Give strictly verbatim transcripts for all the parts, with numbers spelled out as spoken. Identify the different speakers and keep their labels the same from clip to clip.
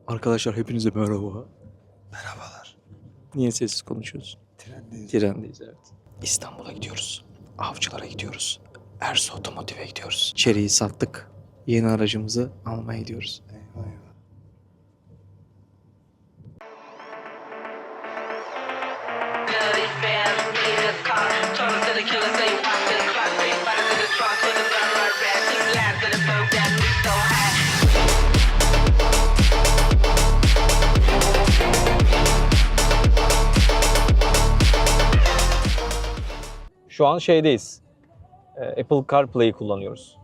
Speaker 1: Arkadaşlar hepinize merhaba.
Speaker 2: Merhabalar.
Speaker 1: Niye sessiz konuşuyoruz?
Speaker 2: Trendeyiz.
Speaker 1: Trendeyiz, evet. İstanbul'a gidiyoruz. Avcılara gidiyoruz. Ersu Otomotiv'e gidiyoruz. Çeriği sattık. Yeni aracımızı almaya gidiyoruz.
Speaker 2: Eyvah eyvah.
Speaker 3: Şu an şeydeyiz. Ee, Apple CarPlay'i kullanıyoruz.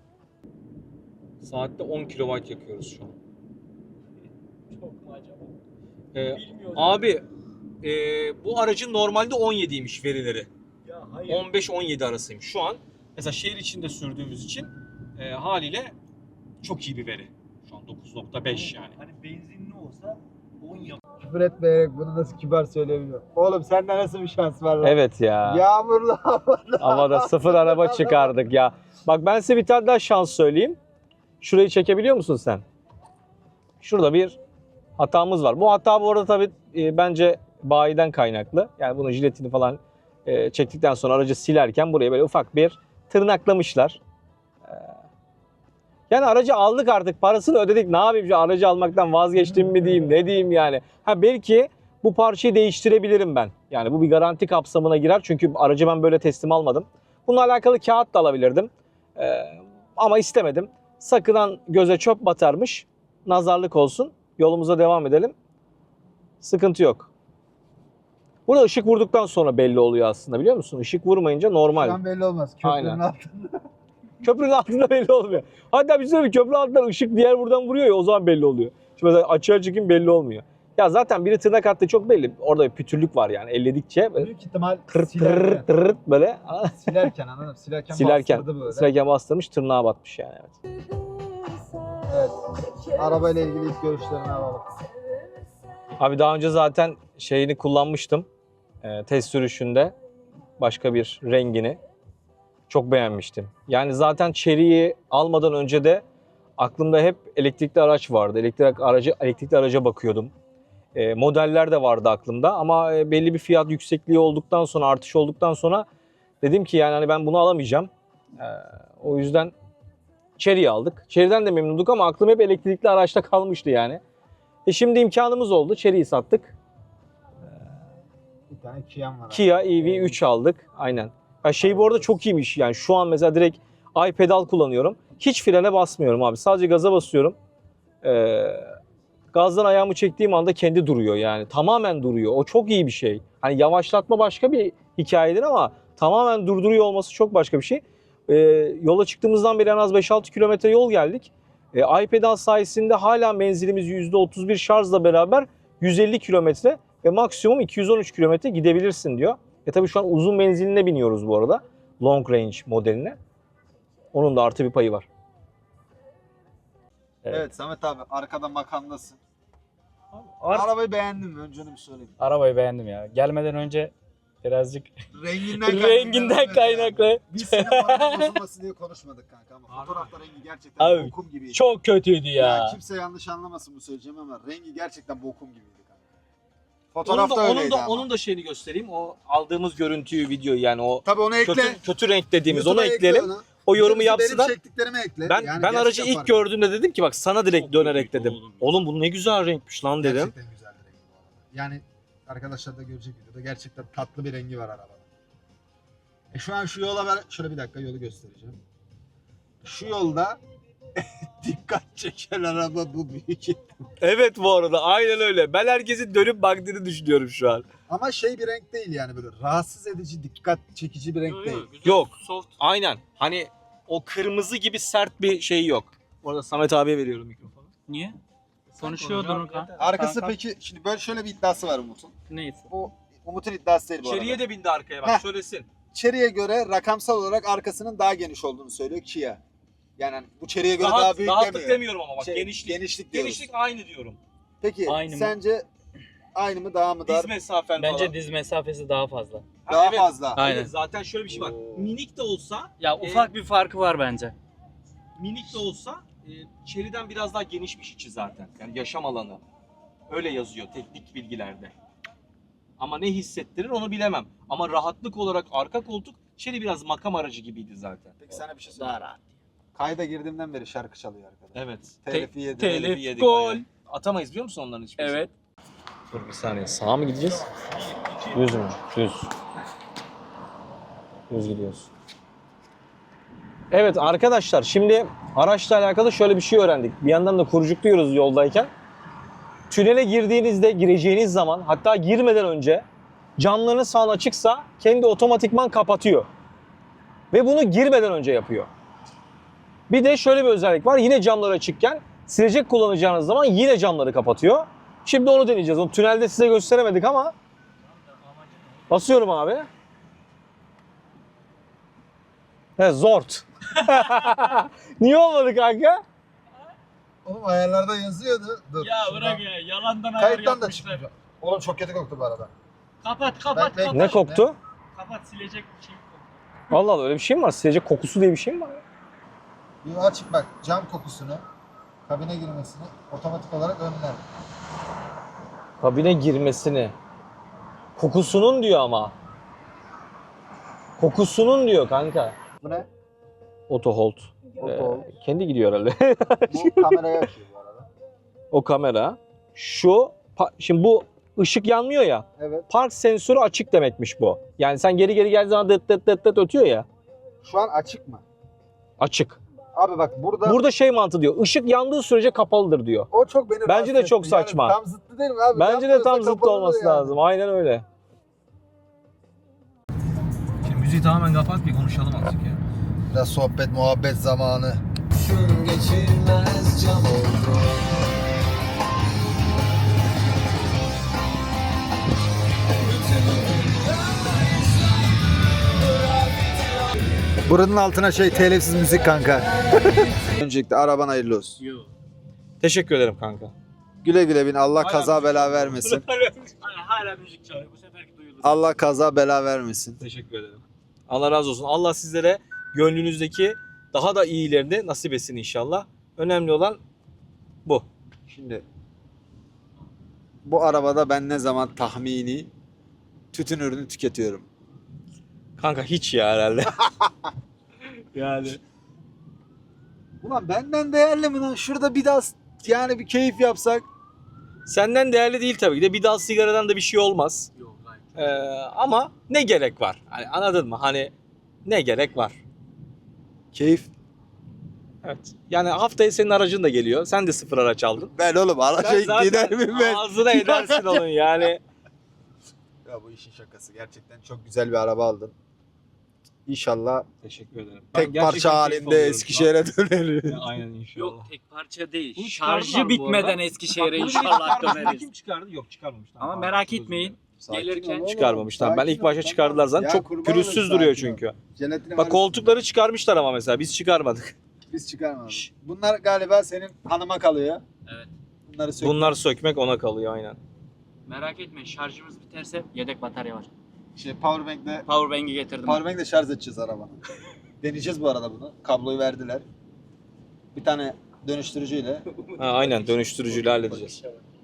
Speaker 3: Saatte on kilobayt yakıyoruz şu an.
Speaker 4: Çok mu acaba?
Speaker 3: Ee,
Speaker 4: Bilmiyorum.
Speaker 3: abi e, bu aracın normalde on yediymiş verileri.
Speaker 4: Ya hayır.
Speaker 3: on beş on yedi arasıymış. Şu an mesela şehir içinde sürdüğümüz için e, haliyle çok iyi bir veri. Şu an dokuz nokta beş yani.
Speaker 4: Hani benzinli olsa on yap.
Speaker 2: Küfür etmeyerek bunu nasıl kibar söyleyebiliyorum. Oğlum sende nasıl bir şans var lan?
Speaker 3: Evet ya.
Speaker 2: Yağmurlu havada.
Speaker 3: Havada sıfır araba çıkardık ya. Bak ben size bir tane daha şans söyleyeyim. Şurayı çekebiliyor musun sen? Şurada bir hatamız var. Bu hata bu arada tabii e, bence bayiden kaynaklı. Yani bunun jiletini falan e, çektikten sonra aracı silerken buraya böyle ufak bir tırnaklamışlar. E, yani aracı aldık artık, parasını ödedik. Ne yapayım, şu aracı almaktan vazgeçtim mi diyeyim, ne diyeyim yani. Ha belki bu parçayı değiştirebilirim ben. Yani bu bir garanti kapsamına girer. Çünkü aracı ben böyle teslim almadım. Bununla alakalı kağıt da alabilirdim. E, ama istemedim. Sakınan göze çöp batarmış. Nazarlık olsun. Yolumuza devam edelim. Sıkıntı yok. Burada ışık vurduktan sonra belli oluyor aslında, biliyor musun? Işık vurmayınca
Speaker 2: Şu
Speaker 3: normal.
Speaker 2: an belli olmaz. Köprünün
Speaker 3: Aynen.
Speaker 2: altında.
Speaker 3: Köprünün altında belli olmuyor. Hatta bir sürü bir köprünün altından ışık diğer buradan vuruyor ya, o zaman belli oluyor. Şimdi mesela açığa çıkayım belli olmuyor. Ya zaten biri tırnak attı çok belli. Orada bir pütürlük var yani elledikçe. Böyle
Speaker 2: Büyük ihtimal
Speaker 3: tır tır
Speaker 2: silerken.
Speaker 3: tır böyle.
Speaker 2: Silerken anladın mı? Silerken,
Speaker 3: Silerken,
Speaker 2: bastırdı böyle.
Speaker 3: silerken bastırmış, tırnağa batmış yani. Evet.
Speaker 2: Evet. Arabayla ilgili ilk görüşlerini alalım.
Speaker 3: Abi daha önce zaten şeyini kullanmıştım. Ee, test sürüşünde başka bir rengini. Çok beğenmiştim. Yani zaten Chery'yi almadan önce de aklımda hep elektrikli araç vardı. Elektrik aracı, elektrikli araca bakıyordum. Ee, modeller de vardı aklımda ama belli bir fiyat yüksekliği olduktan sonra, artış olduktan sonra dedim ki yani hani ben bunu alamayacağım. Ee, o yüzden Chery'yi aldık. Chery'den de memnunduk ama aklım hep elektrikli araçta kalmıştı yani. E şimdi imkanımız oldu. Chery'yi sattık.
Speaker 2: Bir tane Kia'm var.
Speaker 3: Kia E V üç aldık. Aynen. Ya şey bu arada çok iyiymiş. Yani şu an mesela direkt iPedal kullanıyorum. Hiç frene basmıyorum abi. Sadece gaza basıyorum. Ee, gazdan ayağımı çektiğim anda kendi duruyor yani. Tamamen duruyor. O çok iyi bir şey. Hani yavaşlatma başka bir hikayedir ama tamamen durduruyor olması çok başka bir şey. Ee, yola çıktığımızdan beri en az beş altı kilometre yol geldik. Ee, iPedal sayesinde hala menzilimiz yüzde otuz bir şarjla beraber yüz elli kilometre ve maksimum iki yüz on üç kilometre gidebilirsin diyor. E tabii şu an uzun menziline biniyoruz bu arada. Long range modeline. Onun da artı bir payı var.
Speaker 2: Evet.
Speaker 3: Evet.
Speaker 2: Samet abi arkada makamdasın.
Speaker 4: Ar-
Speaker 2: Arabayı beğendin mi? Önce onu bir sorayım.
Speaker 4: Arabayı beğendim ya. Gelmeden önce birazcık
Speaker 2: Renginden
Speaker 4: renginden kaynaklı.
Speaker 2: Biz senin paranın bozulması diye konuşmadık kanka ama fotoğrafta rengi gerçekten
Speaker 4: Abi,
Speaker 2: bokum gibiydi.
Speaker 4: Çok kötüydü
Speaker 2: Ya.
Speaker 4: ya.
Speaker 2: Kimse yanlış anlamasın bu söyleyeceğim ama rengi gerçekten bokum gibiydi kanka.
Speaker 3: Onun
Speaker 2: Fotoğrafta
Speaker 3: da, onun
Speaker 2: öyleydi
Speaker 3: da,
Speaker 2: ama.
Speaker 3: onun da şeyini göstereyim. O aldığımız görüntüyü, videoyu yani o
Speaker 2: Tabii onu ekle.
Speaker 3: kötü, kötü renk dediğimiz
Speaker 2: YouTube'a
Speaker 3: onu
Speaker 2: ekle
Speaker 3: ekleyelim.
Speaker 2: onu.
Speaker 3: O yorumu
Speaker 2: Benim
Speaker 3: yapsınlar.
Speaker 2: çektiklerimi ekle.
Speaker 3: Ben
Speaker 2: Yani
Speaker 3: ben aracı
Speaker 2: gerçekten
Speaker 3: ilk
Speaker 2: fark
Speaker 3: gördüğümde dedim ki bak sana direkt
Speaker 4: Çok
Speaker 3: dönerek
Speaker 4: büyük
Speaker 3: dedim.
Speaker 4: oğlum.
Speaker 3: Oğlum bu ne güzel renkmiş lan dedim.
Speaker 2: Gerçekten güzel bir rengi bu arada. Yani arkadaşlar da görecek videoda gerçekten tatlı bir rengi var arabada. E şu an şu yola ver. Şöyle bir dakika yolu göstereceğim. Şu yolda dikkat çeken araba bu büyük.
Speaker 3: Evet bu arada aynen öyle. Ben herkesin dönüp baktığını düşünüyorum şu an.
Speaker 2: Ama şey bir renk değil yani böyle rahatsız edici, dikkat çekici bir renk değil.
Speaker 3: Yok. Aynen. Hani o kırmızı gibi sert bir şey yok. Bu arada Samet abiye veriyorum mikrofonu.
Speaker 4: Niye? Konuşuyordun kanka.
Speaker 2: Arkası peki şimdi böyle şöyle bir iddiası var Umut'un.
Speaker 4: Neyse.
Speaker 2: Bu Umut'un iddiası değil bu
Speaker 3: İçeriye
Speaker 2: arada.
Speaker 3: de bindi arkaya bak
Speaker 2: Heh.
Speaker 3: söylesin.
Speaker 2: Chery'e göre rakamsal olarak arkasının daha geniş olduğunu söylüyor Kia. Yani hani bu Chery'e göre daha,
Speaker 3: Rahat,
Speaker 2: büyük
Speaker 3: rahatlık
Speaker 2: demiyor.
Speaker 3: demiyorum ama bak
Speaker 2: Şey,
Speaker 3: genişlik.
Speaker 2: genişlik diyoruz.
Speaker 3: Genişlik aynı diyorum.
Speaker 2: Peki
Speaker 4: Aynı mı?
Speaker 2: sence aynı mı daha mı dar?
Speaker 3: Diz mesafen
Speaker 4: Bence
Speaker 3: falan.
Speaker 4: diz mesafesi daha fazla.
Speaker 3: Ha,
Speaker 2: Daha
Speaker 3: evet.
Speaker 2: fazla.
Speaker 4: Aynen.
Speaker 3: Evet, zaten şöyle bir şey var.
Speaker 2: Oo.
Speaker 3: Minik de olsa
Speaker 4: Ya ufak bir farkı var bence.
Speaker 3: minik de olsa e, Chery'den biraz daha genişmiş içi zaten. Yani yaşam alanı. Öyle yazıyor teknik bilgilerde. Ama ne hissettirir onu bilemem. Ama rahatlık olarak arka koltuk Chery biraz makam aracı gibiydi zaten.
Speaker 2: Peki sana bir şey
Speaker 4: Daha
Speaker 2: söyleyeyim.
Speaker 4: rahat.
Speaker 2: Kayda girdiğimden beri şarkı çalıyor arkadaş.
Speaker 3: Evet.
Speaker 2: Telifi yedi.
Speaker 4: telif,
Speaker 3: Telifi yedik
Speaker 4: gol.
Speaker 3: bayağı. Atamayız biliyor musun onların hiçbirisini?
Speaker 4: Evet.
Speaker 3: Dur bir saniye. Sağa mı gideceğiz? Düz mü? Düz. Düz gidiyoruz. Evet arkadaşlar şimdi araçla alakalı şöyle bir şey öğrendik. Bir yandan da kurcukluyoruz yoldayken. Tünele girdiğinizde, gireceğiniz zaman hatta girmeden önce camlarınız falan açıksa kendi otomatikman kapatıyor. Ve bunu girmeden önce yapıyor. Bir de şöyle bir özellik var. Yine camlar açıkken silecek kullanacağınız zaman yine camları kapatıyor. Şimdi onu deneyeceğiz. Onu tünelde size gösteremedik ama basıyorum abi. He zort. Niye olmadı kanka?
Speaker 2: Oğlum ayarlarda yazıyordu. Dur.
Speaker 4: Ya
Speaker 2: şuradan-
Speaker 4: bırak ya yalandan ayar
Speaker 2: Kayıttan da
Speaker 4: yapmışlar.
Speaker 2: çıkmayacak. Oğlum çok kötü koktu bu arada.
Speaker 4: Kapat kapat
Speaker 2: Ben-
Speaker 4: kapat.
Speaker 3: Ne koktu?
Speaker 4: Kapat silecek bir şey yok.
Speaker 3: Allah Allah öyle bir şey mi var? Silecek kokusu diye bir şey mi var?
Speaker 2: Bir açık bak cam kokusunu, kabine girmesini otomatik olarak önler.
Speaker 3: Kabine girmesini. Kokusunun diyor ama. Kokusunun diyor kanka.
Speaker 2: Bu ne?
Speaker 3: Auto hold.
Speaker 2: Auto
Speaker 3: Ee,
Speaker 2: hold.
Speaker 3: kendi gidiyor herhalde.
Speaker 2: Bu kameraya açıyor bu arada.
Speaker 3: O kamera. Şu pa- şimdi bu ışık yanmıyor ya.
Speaker 2: Evet.
Speaker 3: Park sensörü açık demekmiş bu. Yani sen geri geri geldiğin zaman dıt dıt dıt dıt ötüyor ya.
Speaker 2: Şu an açık mı?
Speaker 3: Açık.
Speaker 2: Abi bak burada
Speaker 3: Burada şey mantığı diyor. Işık yandığı sürece kapalıdır diyor.
Speaker 2: o çok beni
Speaker 3: Bence
Speaker 2: rahatsız
Speaker 3: de çok
Speaker 2: etti. Yani
Speaker 3: saçma.
Speaker 2: tam zıttı değil mi abi?
Speaker 3: Bence de
Speaker 2: Yanmıyorsa
Speaker 3: tam zıttı
Speaker 2: kapalıdır
Speaker 3: olması
Speaker 2: yani.
Speaker 3: lazım. Aynen öyle. Şimdi müziği tamamen kapat bir konuşalım azıcık ya.
Speaker 2: Biraz sohbet muhabbet zamanı. Buranın altına şey telifsiz müzik kanka. Öncelikle araban hayırlı olsun.
Speaker 4: Yok.
Speaker 3: Teşekkür ederim kanka.
Speaker 2: Güle güle bin. Allah
Speaker 3: Hala
Speaker 2: kaza
Speaker 3: müzik
Speaker 2: bela
Speaker 3: çalıyor.
Speaker 2: vermesin.
Speaker 4: Hala, hala müzik çalıyor. Bu seferki duyulur.
Speaker 2: Allah kaza bela vermesin.
Speaker 3: Teşekkür ederim. Allah razı olsun. Allah sizlere gönlünüzdeki daha da iyilerini nasip etsin inşallah. Önemli olan bu.
Speaker 2: Şimdi bu arabada ben ne zaman tahmini tütün ürünü tüketiyorum.
Speaker 3: Kanka hiç ya herhalde. yani.
Speaker 2: Ulan benden değerli mi lan? Şurada bir daha yani bir keyif yapsak.
Speaker 3: Senden değerli değil tabii ki de bir dal sigaradan da bir şey olmaz.
Speaker 4: Yok hayır.
Speaker 3: Ee, ama ne gerek var? Hani anladın mı? Hani ne gerek var?
Speaker 2: Keyif.
Speaker 3: Evet. Yani haftaya senin aracın da geliyor. Sen de sıfır araç aldın.
Speaker 2: Ben oğlum araca
Speaker 3: Sen zaten
Speaker 2: gider miyim ben?
Speaker 3: ağzına edersin onun yani.
Speaker 2: Ya bu işin şakası. Gerçekten çok güzel bir araba aldın. İnşallah
Speaker 3: Teşekkür ederim.
Speaker 2: tek parça halinde Eskişehir'e döneriz.
Speaker 3: Aynen inşallah.
Speaker 4: Yok tek parça değil.
Speaker 3: Bunu çıkardılar
Speaker 4: Şarjı
Speaker 3: bu
Speaker 4: bitmeden
Speaker 3: arada.
Speaker 4: Eskişehir'e
Speaker 3: Bunu
Speaker 4: inşallah
Speaker 3: çıkardı.
Speaker 4: döneriz.
Speaker 3: Kim çıkardı? Yok çıkarmamışlar.
Speaker 4: Ama
Speaker 3: Pardon,
Speaker 4: merak
Speaker 3: çok özür
Speaker 4: etmeyin.
Speaker 3: dilerim.
Speaker 4: Gelirken
Speaker 3: Çıkarmamışlar. Ben ilk başta çıkardılar zaten.
Speaker 2: Ya
Speaker 3: Çok
Speaker 2: kurban
Speaker 3: pürüzsüz
Speaker 2: olayım,
Speaker 3: duruyor
Speaker 2: sakin ol.
Speaker 3: çünkü.
Speaker 2: Jelatini
Speaker 3: Bak
Speaker 2: var.
Speaker 3: koltukları çıkarmışlar ama mesela biz çıkarmadık.
Speaker 2: Biz çıkarmadık.
Speaker 3: Şşş.
Speaker 2: Bunlar galiba senin hanıma kalıyor.
Speaker 4: Evet.
Speaker 2: Bunları sök.
Speaker 3: Bunlar sökmek ona kalıyor aynen.
Speaker 4: Merak etmeyin şarjımız biterse yedek batarya var.
Speaker 2: Şey powerbank'le
Speaker 4: Powerbank'i getirdim.
Speaker 2: powerbank'le şarj edeceğiz arabanı. Deneyeceğiz bu arada bunu. Kabloyu verdiler. Bir tane dönüştürücüyle.
Speaker 3: Ha, aynen dönüştürücüyle halledeceğiz.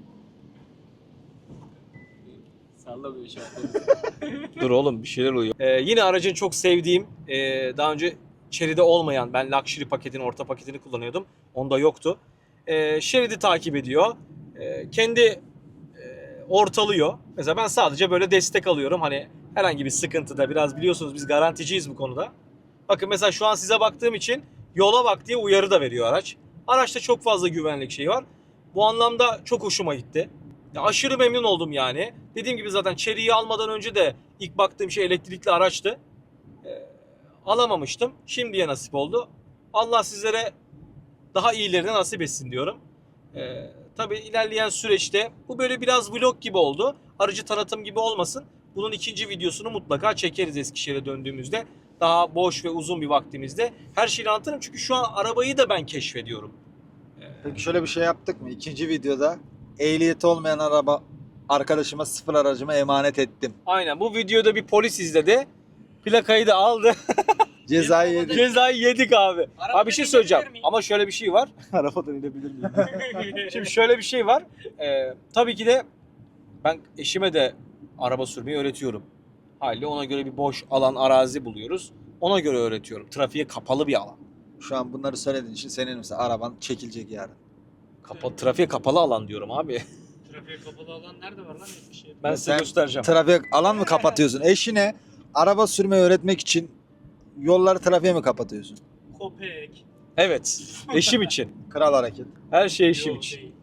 Speaker 4: Sallamıyor şu an.
Speaker 3: Dur oğlum bir şeyler oluyor. Ee, yine aracın çok sevdiğim, e, daha önce Chery'de olmayan, ben Luxury paketini, orta paketini kullanıyordum. Onda yoktu. Ee, Chery'de takip ediyor. Ee, kendi e, ortalıyor. Mesela ben sadece böyle destek alıyorum. Hani herhangi bir sıkıntıda biraz biliyorsunuz biz garanticiyiz bu konuda. Bakın mesela şu an size baktığım için yola bak diye uyarı da veriyor araç. Araçta çok fazla güvenlik şeyi var. Bu anlamda çok hoşuma gitti. Ya aşırı memnun oldum yani. Dediğim gibi zaten Chery'yi almadan önce de ilk baktığım şey elektrikli araçtı. Ee, alamamıştım. Şimdiye nasip oldu. Allah sizlere daha iyilerini nasip etsin diyorum. Ee, tabii ilerleyen süreçte bu böyle biraz vlog gibi oldu. Aracı tanıtım gibi olmasın. Bunun ikinci videosunu mutlaka çekeriz Eskişehir'e döndüğümüzde. Daha boş ve uzun bir vaktimizde. Her şeyi anlatırım çünkü şu an arabayı da ben keşfediyorum.
Speaker 2: Peki şöyle bir şey yaptık mı? İkinci videoda ehliyeti olmayan araba arkadaşıma sıfır aracıma emanet ettim.
Speaker 3: Aynen bu videoda bir polis izledi. Plakayı da aldı.
Speaker 2: Cezayı yedik.
Speaker 3: Cezayı yedik abi.
Speaker 4: Arabadan
Speaker 3: Abi bir şey söyleyeceğim.
Speaker 4: inebilir miyim?
Speaker 3: Ama şöyle bir şey var. Arabadan inebilir miyim? Şimdi şöyle bir şey var. Ee, tabii ki de ben eşime de araba sürmeyi öğretiyorum. Haliyle ona göre bir boş alan, arazi buluyoruz. Ona göre öğretiyorum. Trafiğe kapalı bir alan.
Speaker 2: Şu an bunları söylediğin için senin mesela araban çekilecek yarın.
Speaker 3: Kapa, trafiğe kapalı alan diyorum abi.
Speaker 4: Trafiğe kapalı alan nerede var lan Eskişehir'de?
Speaker 3: Ben size
Speaker 2: Sen
Speaker 3: göstereceğim.
Speaker 2: Trafik alan mı kapatıyorsun? Eşine araba sürmeyi öğretmek için yolları trafiğe mi kapatıyorsun?
Speaker 4: Köpek.
Speaker 3: Evet. Eşim için.
Speaker 2: Kral hareket.
Speaker 3: Her şey eşim
Speaker 4: Yol
Speaker 3: için.
Speaker 4: değil.